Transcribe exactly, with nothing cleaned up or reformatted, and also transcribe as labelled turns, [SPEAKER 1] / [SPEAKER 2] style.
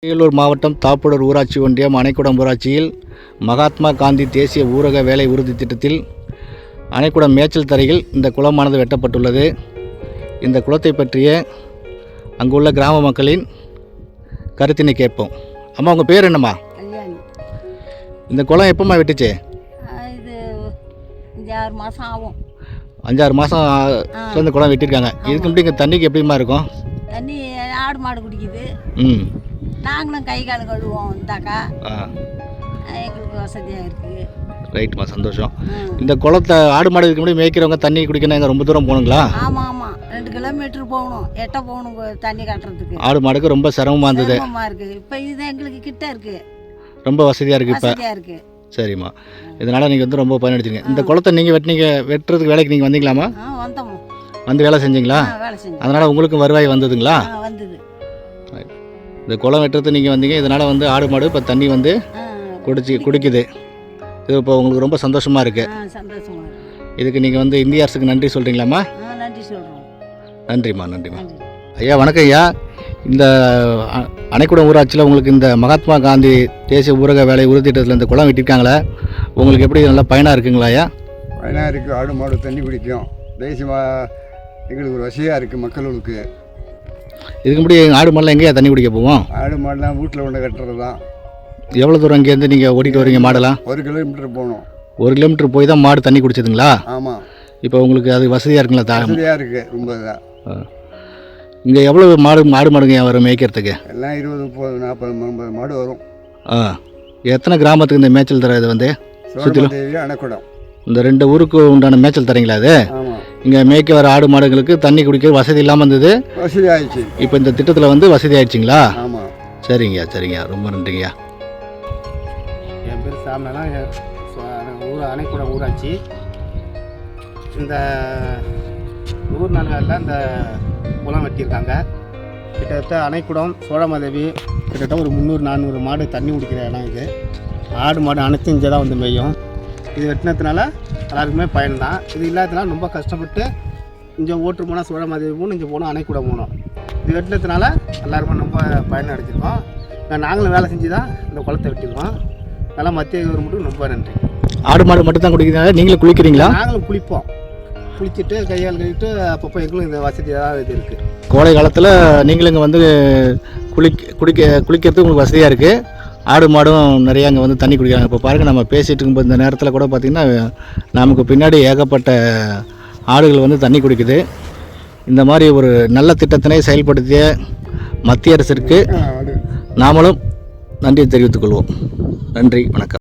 [SPEAKER 1] அரியலூர் மாவட்டம் தாப்புடர் ஊராட்சி ஒன்றியம் அணைக்குடம் ஊராட்சியில் மகாத்மா காந்தி தேசிய ஊரக வேலை உறுதி திட்டத்தில் அணைக்குடம் மேய்ச்சல் தரையில் இந்த குளமானது வெட்டப்பட்டுள்ளது. இந்த குளத்தை பற்றிய அங்குள்ள கிராம மக்களின் கருத்தினை கேட்போம். அம்மா, உங்கள் பேர் என்னம்மா? இந்த குளம் எப்போம்மா வெட்டுச்சு?
[SPEAKER 2] இது அஞ்சாறு மாதம் ஆகும்.
[SPEAKER 1] அஞ்சாறு மாதம் இந்த குளம் வெட்டியிருக்காங்க. இதுக்கு முன்னாடி இங்கே தண்ணிக்கு எப்படிமா இருக்கும்?
[SPEAKER 2] தண்ணி ஆடு மாடு குடிக்குது.
[SPEAKER 1] ம்
[SPEAKER 2] நாங்களும் கை கால் கழுவோம். இந்தாக்கா எங்களுக்கு வசதியாக இருக்குது.
[SPEAKER 1] ரைட்மா, சந்தோஷம். இந்த குளத்தை ஆடு மாடு இதுக்கு முன்னாடி மேய்க்கிறவங்க தண்ணி குடிக்கணும், எங்கே ரொம்ப தூரம் போகணுங்களா?
[SPEAKER 2] ஆமாம் ஆமாம், ரெண்டு கிலோமீட்டர் போகணும், எட்ட போகணும் தண்ணி கட்டுறதுக்கு.
[SPEAKER 1] ஆடு மாடுக்கு ரொம்ப சிரமமாக இருந்தது.
[SPEAKER 2] சிரமமாக இருக்குது. இப்போ இது எங்களுக்கு கிட்ட இருக்குது,
[SPEAKER 1] ரொம்ப வசதியாக இருக்குது. இப்போ
[SPEAKER 2] வசதியாக இருக்குது.
[SPEAKER 1] சரிம்மா, இதனால் நீங்கள் வந்து ரொம்ப பயனடைச்சிங்க. இந்த குளத்தை நீங்கள் வெட்டினீங்க, வெட்டுறதுக்கு வேலைக்கு நீங்கள் வந்தீங்களாம்மா?
[SPEAKER 2] ஆ வந்தோம்.
[SPEAKER 1] வந்து வேலை செஞ்சீங்களா?
[SPEAKER 2] வேலை செஞ்சோம்.
[SPEAKER 1] அதனால் உங்களுக்கும் வருவாய் வந்ததுங்களா?
[SPEAKER 2] வந்தது.
[SPEAKER 1] இந்த குளம் வெட்டுறது நீங்கள் வந்தீங்க, இதனால் வந்து ஆடு மாடு இப்போ தண்ணி வந்து குடிச்சு குடிக்குது. இது இப்போ உங்களுக்கு ரொம்ப சந்தோஷமாக இருக்குது.
[SPEAKER 2] சந்தோஷமாக இருக்குது.
[SPEAKER 1] இதுக்கு நீங்கள் வந்து இந்திய அரசுக்கு நன்றி சொல்கிறீங்களாம்மா?
[SPEAKER 2] நன்றி சொல்கிறோம்.
[SPEAKER 1] நன்றிம்மா, நன்றிம்மா. ஐயா வணக்கம் ஐயா. இந்த அணைக்குடம் ஊராட்சியில் உங்களுக்கு இந்த மகாத்மா காந்தி தேசிய ஊரக வேலை உறுதி திட்டத்தில் இந்த குளம் வெட்டியிருக்காங்களே, உங்களுக்கு எப்படி நல்லா பயனாக இருக்குங்களா ஐயா?
[SPEAKER 3] பயனாக இருக்குது. ஆடு மாடு தண்ணி குடிக்கும். தேசியமாக எங்களுக்கு ஒரு வசதியாக இருக்குது மக்களுக்கு.
[SPEAKER 1] இதுக்கு முன்னாடி ஆடு மாடெலாம் எங்கேயா தண்ணி குடிக்க போவோம்?
[SPEAKER 3] ஆடு மாடுலாம் வீட்டில் கொண்டு கட்டுறது தான்.
[SPEAKER 1] எவ்வளோ தூரம் இங்கேருந்து நீங்கள் ஓடிட்டு வரீங்க மாடெல்லாம்?
[SPEAKER 3] ஒரு கிலோமீட்டர் போகணும்.
[SPEAKER 1] ஒரு கிலோமீட்டர் போய் தான் மாடு தண்ணி குடிச்சதுங்களா?
[SPEAKER 3] ஆமாம்.
[SPEAKER 1] இப்போ உங்களுக்கு அது வசதியாக இருக்குங்களா? தா
[SPEAKER 3] வசதியாக இருக்குது ரொம்ப. தான்
[SPEAKER 1] இங்கே எவ்வளோ மாடு மாடு மாடுங்க வரும் மேய்க்கிறதுக்கு?
[SPEAKER 3] எல்லாம் இருபது முப்பது நாற்பது ஐம்பது மாடு வரும்.
[SPEAKER 1] ஆ, எத்தனை கிராமத்துக்கு இந்த மேய்ச்சல் தர? இது வந்து சுற்றிலும்
[SPEAKER 3] அணைக்குடம்
[SPEAKER 1] இந்த ரெண்டு ஊருக்கு உண்டான மேய்ச்சல் தரீங்களா? அது இங்கே மேய்க்க வர ஆடு மாடுகளுக்கு தண்ணி குடிக்க வசதி இல்லாமல் இருந்தது,
[SPEAKER 3] வசதி ஆயிடுச்சு.
[SPEAKER 1] இப்போ இந்த திட்டத்தில் வந்து வசதி ஆயிடுச்சிங்களா?
[SPEAKER 3] ஆமாம்.
[SPEAKER 1] சரிங்கய்யா, சரிங்கய்யா, ரொம்ப நன்றிங்கய்யா.
[SPEAKER 4] என் பேர் சாமினா, ஊர் அணைக்குடம் ஊராட்சி. இந்த நூறு நாள்களில் இந்த குளம் வெட்டியிருக்காங்க. கிட்டத்தட்ட அணைக்குடம் சோழமாதேவி கிட்டத்தட்ட ஒரு முந்நூறு நானூறு மாடு தண்ணி குடிக்கிற இடம் இது. ஆடு மாடு அனைத்தும் இங்கே தான் வந்து மேயும். இது வெட்டினதுனால எல்லாருக்குமே பயன்தான். இது இல்லாததுனால ரொம்ப கஷ்டப்பட்டு இங்கே ஓட்டு போனால் சோழமாதேவி போகணும், இங்கே போகணும் அணைக்குடம் போகணும். இது வெட்டினதுனால எல்லாருமே ரொம்ப பயன் அடைஞ்சிருக்கோம். நாங்களும் வேலை செஞ்சு தான் இந்த குளத்தை வெட்டியிருக்கோம். அதனால் மத்திய கவர்மெண்ட்டுக்கு ரொம்ப நன்றி.
[SPEAKER 1] ஆடு மாடு மட்டும் தான் குடிக்கிறீங்களா? நீங்களும் குளிக்கிறீங்களா?
[SPEAKER 4] நாங்களும் குளிப்போம். குளிச்சுட்டு கையால் கழிட்டு அப்பப்போ எங்களும் இந்த வசதியாக இது இருக்குது.
[SPEAKER 1] கோடை காலத்தில் நீங்களும் இங்கே வந்து குளிக்க குடிக்க குளிக்கிறதுக்கு உங்களுக்கு வசதியாக இருக்குது. ஆடு மாடும் நிறையா அங்கே வந்து தண்ணி குடிக்கிறாங்க. இப்போ பாருங்கள், நம்ம பேசிகிட்டு இருக்கும்போது இந்த நேரத்தில் கூட பார்த்திங்கன்னா நமக்கு பின்னாடி ஏகப்பட்ட ஆடுகள் வந்து தண்ணி குடிக்குது. இந்த மாதிரி ஒரு நல்ல திட்டத்தினை செயல்படுத்திய மத்திய அரசிற்கு நாமளும் நன்றி தெரிவித்துக் கொள்வோம். நன்றி, வணக்கம்.